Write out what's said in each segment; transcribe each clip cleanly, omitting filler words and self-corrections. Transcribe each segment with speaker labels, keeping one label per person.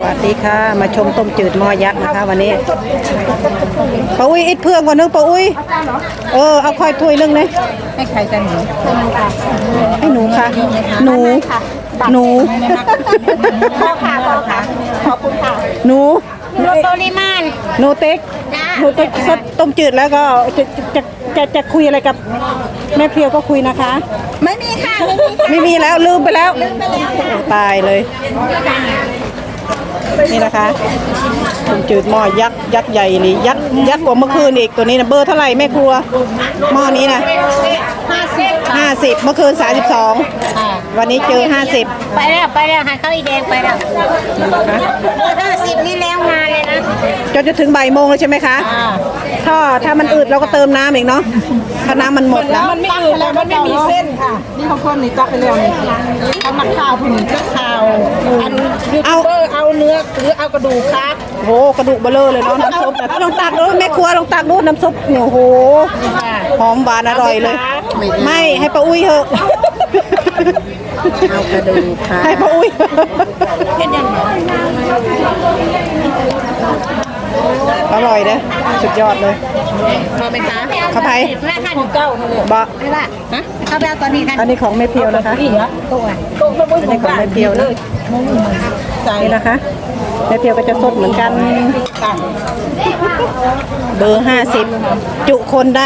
Speaker 1: สวัสดีค่ะมาชมต้มจืดหม้อยักษ์นะคะวันนี้ป้าอุ้ยอิดเพื่องก่อนนึงป้าอุ้ยเอาค่อยถ้วยนึงเลย
Speaker 2: ให้ใครจะหนู
Speaker 1: ให้หนูค่ะหนู
Speaker 2: พ่อค่ะขอบคุณค่ะ
Speaker 1: หนู
Speaker 2: ปริมาณ
Speaker 1: หนูเต็กสดต้มจืดแล้วก็จะคุยอะไรกับแม่เพียวก็คุยนะคะ
Speaker 2: ไม่มีค่ะ
Speaker 1: ไม่มีแล้วลืมไปแล้วตายเลยนี่นะคะต้มจืดหม้อยักษ์ใหญ่เลยยักษ์กว่าเมื่อคืนอีกตัวนี้นะเบอร์เท่าไหร่แม่ครัวหม้อนี้นะ50เมื่อคืน32วันนี้เจอ50
Speaker 2: ไปแล้วหันเข้าอีแดงไปแล้ว50นี่แล้วมาเลยนะ
Speaker 1: จนจะถึงบ่ายโมงเลยใช่ไหมคะถ้ามันอืดเราก็เติมน้ำอีกเนาะถ้าน้ำมันหมดแล้ว
Speaker 2: มันไม่อืดแล้วมันไม่มีเส้นค่ะนี่เขาเพิ่มนี่ตักไปแล้วนี่ทำหมักข้าวผุ่นก็ข้าวอันเอาเนื้อหรือเอากระดูกครับ
Speaker 1: โหกระดูกเบลอเลยเนาะน้ำซุปลองตักดูแม่ครัวลองตักดูน้ำซุปโอ้โหหอมหวานอร่อยเลยไม่ให้ป้าอุ้ยเถอะ
Speaker 2: เอากระดูกค่ะ
Speaker 1: ให้ป้าอุ้ยอร่อยนะสุดยอดเลย
Speaker 2: พอไหมคะ
Speaker 1: ข้าวไผ่
Speaker 2: ของเจ้า
Speaker 1: บะ
Speaker 2: ไม่ละข้าวแบวตอนนี้
Speaker 1: อันนี้ของแม่เพียวนะคะอันนี้ของแม่เพียวนะนี่นะคะแม่เพียวก็จะสดเหมือนกันเบอร์50จุคนได้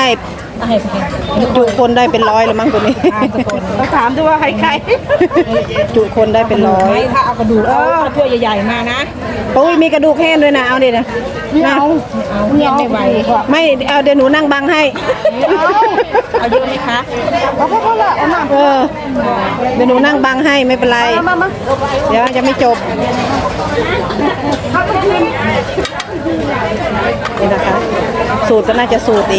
Speaker 1: เป็นร้อยเลยมั้งตัวนี้
Speaker 2: เราถามด้วยว่าใคร
Speaker 1: จุคนได้เป็นร้อย
Speaker 2: ถ้าเอากระดูกถ้วยใหญ่ๆมานะ
Speaker 1: ปุ้ยมีกระดูกแห้งด้วยนะเอาดินะ
Speaker 2: ไม่เอาเย็นไม่ไหว
Speaker 1: ไม่เอาเดี๋ยวหนูนั่งบังให้
Speaker 2: เอาเยอะไหมคะ
Speaker 1: เอาละเอามาเดี๋ยวหนูนั่งบังให้ไม่เป็นไรเดี๋ยวจะไม่จบนี่นะคะสูตรก็น่าจะสูตร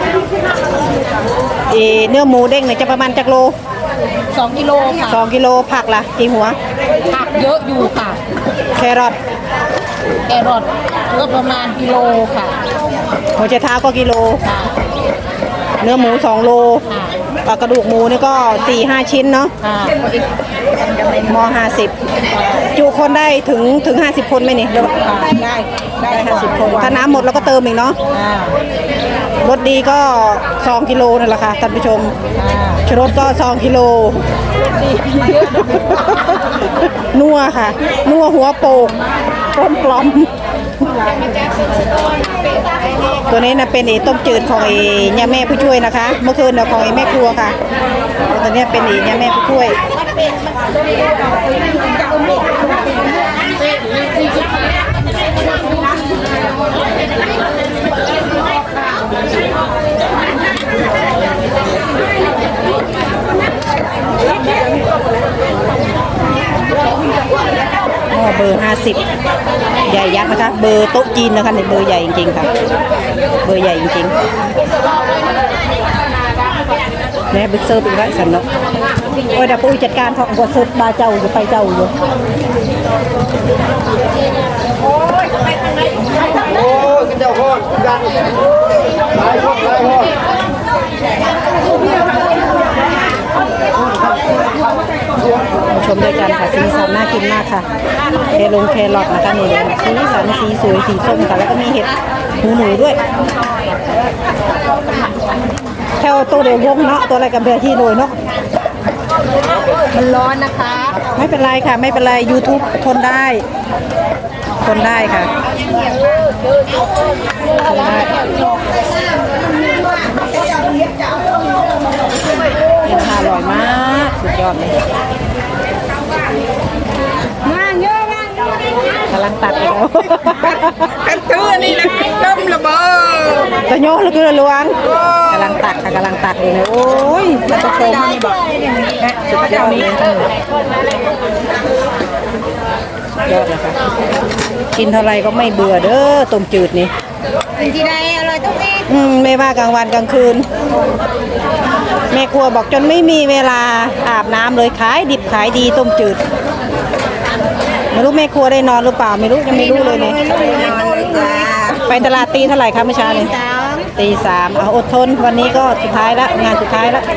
Speaker 1: เนื้อหมูเด้งเนี่ยจะประมาณจักโล
Speaker 2: 2 กิโลค่ะ
Speaker 1: 2 กิโลผักล่ะกี่หัว
Speaker 2: ผักเยอะอยู่ค่ะ
Speaker 1: แครอท
Speaker 2: ก็ประมาณกิโลค่ะ
Speaker 1: หัวไชเท้าก็กิโลเนื้อหมู2 โลกระดูกหมูนี่ก็ 4-5 ชิ้นเนาะม50จุคนได้ถึง50 คนไหมนี่ได้50 คนถ้าน้ำหมดเราก็เติมอีกเนาะรสดีก็2 กิโลนั่นแหละค่ะท่านผู้ชมชูรสก็2 กิโลนัวค่ะนัวหัวโปกกลมตัวนี้นะเป็นต้มจืดของย่าแม่ผู้ช่วยนะคะเมื่อคืนเราของแม่ครัวค่ะตัวนี้เป็นย่าแม่ผู้ช่วยเบอร์50ใหญ่ยักษ์นะคะเบอร์โต๊ะจีนนะคะในเบอร์ใหญ่จริงๆค่ะเบอร์ใหญ่จริงๆแม่บิ๊กเซอร์เป็นไรสันเนาะโอ้ยเดี๋ยวปุ้ยจัดการของบัวเซิร์ฟบาเจ้าอยู่ไปเจ้าอยู่
Speaker 3: โอ้ยกันเจ้าพ่อกันหลายพ่อ
Speaker 1: ชมด้วยกันค่ะสีสันน่ากินมากค่ะแครอทนะคะนี่สีสันสีสวยสีส้มค่ะแล้วก็มีเห็ดหูหนูด้วยแค่ตัวเดียววงเนาะตัวอะไรกับเบียร์ที่โรยเนาะ
Speaker 2: มันร้อนนะคะ
Speaker 1: ไม่เป็นไรค่ะไม่เป็นไร YouTube ทนได้ค่ะทนได้นี่ค่ะอร่อยมากสุดยอดเลยกำลังตัดแล้ว
Speaker 2: กันตื้อนี่นะต้มระเบิด
Speaker 1: ตะโยแล้วก็ระวังกำลังตัดค่ะกำลังตัดเลยนะโอ้ยมันจะโชว์มันบอกสุดยอดเลยยอดเลยค่ะกินเท่าไรก็ไม่เบื่อเด้อต้มจืดนี่
Speaker 2: กินที่ใดอร่อยทุกที
Speaker 1: ไม่ว่ากลางวันกลางคืนแม่ครัวบอกจนไม่มีเวลาอาบน้ำเลยขายดิบขายดีต้มจืดไม่รู้แม่ครัวได้นอนหรือเปล่าไม่รู้ยังไม่รู้เลยเนี่ยไปตลาดตีเท่าไหร่คะเมื่อเช้านี้ตีสามเอาอดทนวันนี้ก็สุดท้ายแล้วงานสุดท้ายแล้ว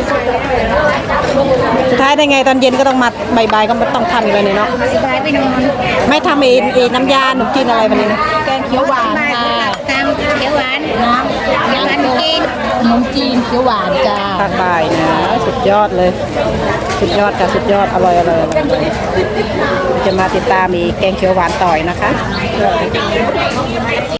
Speaker 1: สุดท้ายได้ไงตอนเย็นก็ต้องมาบ่ายๆก็ต้องทำอีกแล้วนี่เนาะ
Speaker 4: สบายไปนอน
Speaker 1: ไม่ทำเองน้ำยาหนุ่มจีนอะไรวันนี้นะ
Speaker 2: แกงเขียวหวานค่ะ
Speaker 4: ตามเขียวหวาน
Speaker 2: น้
Speaker 4: เขียวหวานกิน
Speaker 2: ำขนมจีนเขียวหวานจ้า
Speaker 1: ภาคบ่ายนะสุดยอดเลย สุดยอดค่ะสุดยอดอร่อยจะมาติดตามอีกแกงเขียวหวานต่อยนะคะ